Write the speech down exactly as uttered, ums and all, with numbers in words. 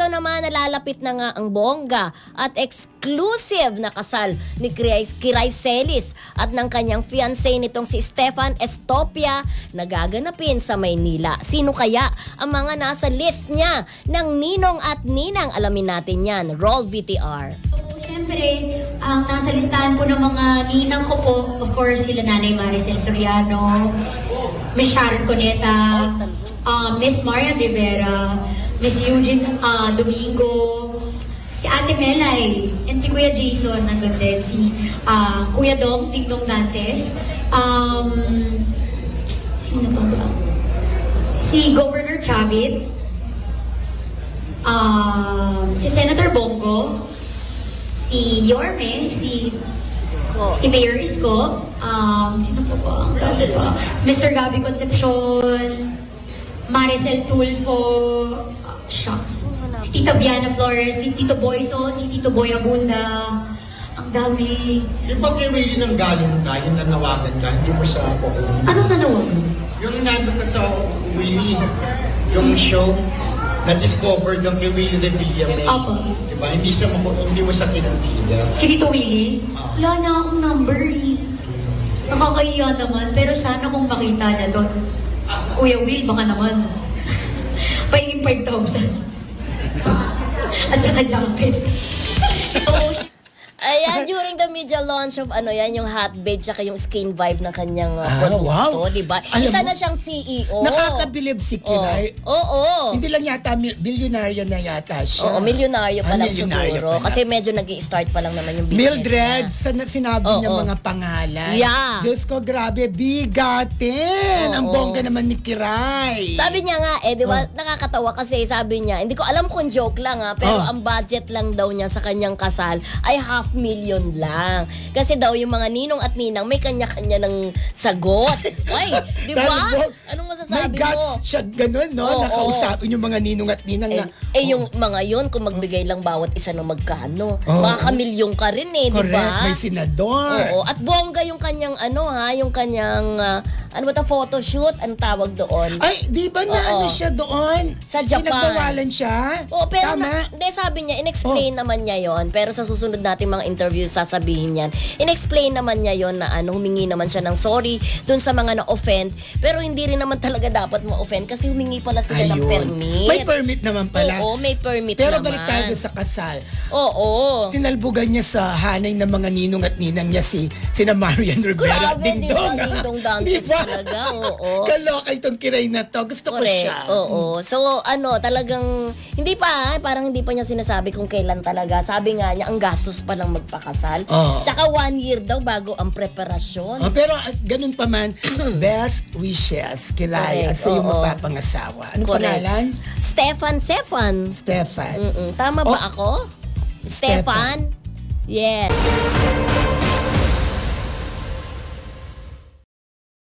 Eto naman, nalalapit na nga ang bongga at exclusive na kasal ni Kiray, Kiray Celis at ng kanyang fiancé nitong si Stefan Estopia na gaganapin sa Maynila. Sino kaya ang mga nasa list niya ng ninong at ninang? Alamin natin yan. Roll V T R. Siyempre, ang nasa listahan po ng mga ninang ko po, of course, sila Nanay Maricel Soriano, Miss Sharon Cuneta, uh, Miss Marian Rivera, Miss Eugene uh, Domingo, si Ate Melay, and si Kuya Jason, nandun din, si uh, Kuya Dong, Dingdong Dantes, um, sino pa ba? Si Governor Chavit, uh, si Senator Bongo, si Yorme, si Isko. si Mayor Isko, um, sino pa ba? Ang dami pa. Mister Gabby Concepcion, Maricel Tulfo, uh, shucks. Si Tita Viana Flores, si Tito Boyson, si Tito Boy Abunda. Ang dami. Yung pag kay Willie nang galing ka, yung nanawagan ka, hindi mo siya kukunin. Anong nanawagan? Yung nandun ka sa Willie, yung show, na-discover yung kay Willie de Villame. Opo. Diba? Hindi, siya, hindi mo siya kinonsider. Si Tito Willie? Ah. Wala na akong number eh. Nakakahiya naman, pero sana kung makita niya doon. Kuya Will, baka naman. Pahingin five thousand. At saka jacket. Ayan, during the media launch of ano yan, yung hot babe tsaka yung skin vibe ng kanyang uh, Ah, produkto, wow. di ba? Alam Isa mo, na siyang C E O. Nakakabilib si Kiray. Oo. Oo. Hindi lang yata, mil- bilyonaryo na yata siya. Oo, milyonaryo pa Ah, lang milyonaryo siguro. pa lang. Kasi medyo nag-i-start pa lang naman yung business Mildred, niya. sa sinabi Oo. niya mga pangalan. Yeah. Diyos ko, grabe, bigatin. Ang Oo. bongga naman ni Kiray. Sabi niya nga, eh, di ba, Oh. nakakatawa kasi sabi niya, hindi ko alam kung joke lang ha, pero Oh. ang budget lang daw niya sa kanyang kasal ay half million lang. Kasi daw yung mga ninong at ninang may kanya-kanya ng sagot. Ay, di ba? Talagang, Anong May masasabi guts mo? siya ganun, no? Oo, Nakausapin yung mga ninong at ninang Eh, na. eh yung mga yun, kung magbigay lang bawat isa ng magkano, Oo. makakamilyong ka rin eh, di Correct, ba? may senador. Oo, at bongga yung kanyang ano ha, yung kanyang, ah, ano ba ito, photoshoot, ang tawag doon. Ay, di ba na Oo. ano siya doon? Sa Japan. Pinagbawalan siya? Oo, pero Tama? na, hindi, sabi niya, in-explain naman niya yon. Pero sa susunod nating mga interview, sasabihin niyan. In-explain naman niya yon na ano, humingi naman siya ng sorry dun sa mga na-offend. Pero hindi rin naman talaga dapat ma-offend kasi humingi pala sila ng Ayun. permit. May permit naman pala. Oo, may permit Pero naman. balik tayo sa kasal. Oo. Tinalbugan niya sa hanay ng mga ninong at ninang niya si sina Marian Rivera. Grabe, Ding di ba? dong. Ding-dong dantes talaga, oo. Kaloka itong Kiray na to. Gusto ko Correct. siya. Oo. So, ano, talagang, hindi pa, parang hindi pa niya sinasabi kung kailan talaga. Sabi nga niya, ang gastos pa lang magpakasal. Oo. Tsaka one year daw bago ang preparasyon. Oh, pero at ganun pa man, best wishes, Kiray, Correct, at sa iyong oo. mapapangasawa. Ano Correct. pangalan? Stefan, Stefan. Stefan. Mm-mm. Tama ba Oh. ako? Stefan? Yes.